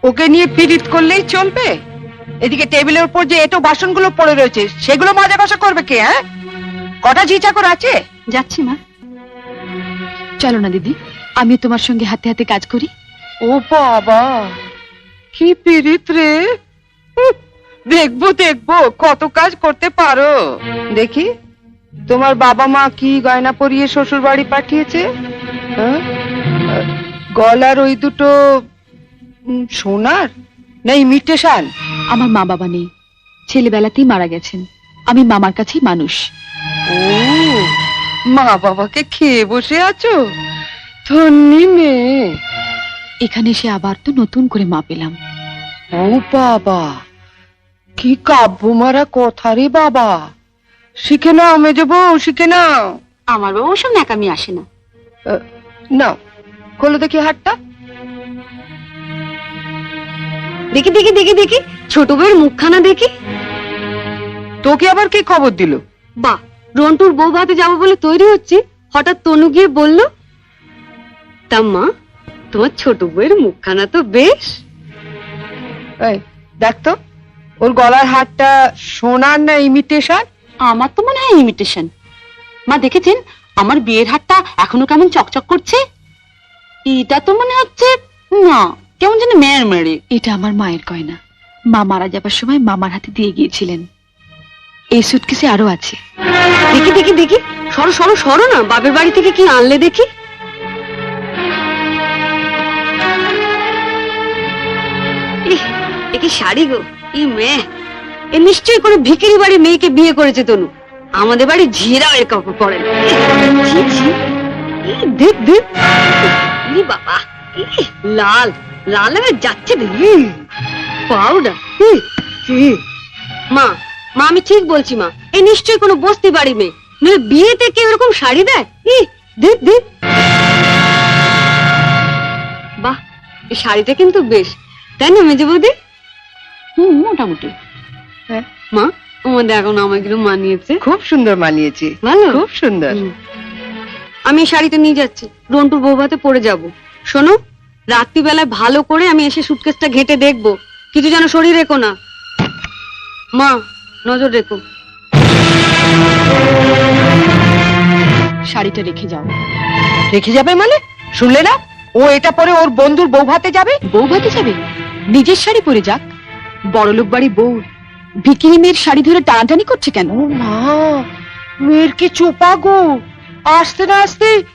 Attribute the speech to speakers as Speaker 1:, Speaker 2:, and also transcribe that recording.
Speaker 1: ওকে নিয়ে পীড়িত করলেই চলবে? এদিকে টেবিলের উপর যে এটো বাসনগুলো পড়ে রয়েছে সেগুলো মাজা কষা করবে কে? হ্যাঁ, কটা ঝি চাকর আছে?
Speaker 2: যাচ্ছি মা। চলো না দিদি, আমি তোমার সঙ্গে হাতে হাতে কাজ করি।
Speaker 1: ও বাবা, কি পীড়িত রে! দেখবো দেখবো কত কাজ করতে পারো। দেখি তোমার বাবা মা কি গয়না পরিয়ে শ্বশুর বাড়ি পাঠিয়েছে। হ্যাঁ? গলার ওই দুটো সোনার না ইমিটেশন?
Speaker 2: আমার মা বাবা নেই, ছেলেবেলাতেই মারা গেছেন। আমি মামার কাছেই মানুষ।
Speaker 1: ও, মা বাবাকে খেয়ে বসে আছো? ধন্যি মেয়ে।
Speaker 2: এখানে এসে আবার তো নতুন করে মা পেলাম।
Speaker 1: ও বাবা, কি কাব্য মারা কথা রে বাবা! শিখে নাও মেজো বউ, শিখে নাও।
Speaker 2: আমার বাবা ওসব ন্যাকামি আসে না।
Speaker 1: নাও, খোলো দেখি হাতটা।
Speaker 2: দেখি দেখি দেখি দেখি, ছোট বউয়ের মুখখানা দেখি।
Speaker 1: তোকে আবার কে খবর দিল?
Speaker 2: বাহ, রন্টুর বউ ভাতে যাবো বলে তৈরি হচ্ছে, হঠাৎ তনু গিয়ে বলল, তা মা তোমার ছোট বউয়ের মুখখানা তো বেশ।
Speaker 1: এই দেখ তো, ওর গলার হারটা সোনার না ইমিটেশন?
Speaker 2: আমার তো মনে হয় ইমিটেশন। মা দেখেছেন আমার বিয়ের হারটা এখনো কেমন চকচক করছে? এটা তো মনে হচ্ছে না, কেমন যেন মেয়ের মেরে। এটা আমার মায়ের গয়না, মা মারা যাবার সময় মামার হাতে দিয়ে গিয়েছিলেন। এই সুটকেসে আরো আছে। দেখি দেখি দেখি, সরো সরো সরো না, বাপের বাড়ি থেকে কি আনলে দেখি। এ কি শাড়ি গো! ই মেয়ে, এ নিশ্চয়ই কোনো ভিখারি বাড়ির মেয়েকে বিয়ে করেছে তনু। আমাদের বাড়ি ঝিরাও এর কাপড় পরে না। ছি, ছি। দেখ দেখ, বাবা, লাল লাল হয়ে যাচ্ছে দেখি। পাউডার। মা মা আমি ঠিক বলছি মা, এ নিশ্চয়ই কোনো বস্তি বাড়ি মেয়ে, নইলে বিয়েতে কেউ এরকম শাড়ি দেয়? দেখ দেখ, বাহ, এই শাড়িটা কিন্তু বেশ, তাই না মেজে বৌদি? মোটামুটি।
Speaker 1: হ্যাঁ
Speaker 2: মা, আমাদের এখন আমাকে মানিয়েছে।
Speaker 1: খুব সুন্দর মানিয়েছে,
Speaker 2: ভালো,
Speaker 1: খুব সুন্দর।
Speaker 2: আমি এই শাড়িটা নিয়ে যাচ্ছি, রন্টুর বউ ভাতে পরে যাব। শোনো, রাত্রিবেলায় ভালো করে আমি এসে সুটকেসটা ঘেঁটে দেখবো, কিছু যেন শরীর রেখো না। মা নজর রেখো। শাড়িটা রেখে যাও।
Speaker 1: রেখে যাবে মানে? শুনলে না, ও এটা পরে ওর বন্ধুর বউ ভাতে যাবে।
Speaker 2: বউ ভাতে যাবে? নিজের শাড়ি পরে যাক। বড়লোক বাড়ি বউ ভিকিরি মেয়ের শাড়ি ধরে টানাটানি করছে কেন?
Speaker 1: ও মা, মেয়ের কি চোপা গো! আসতে না আসতে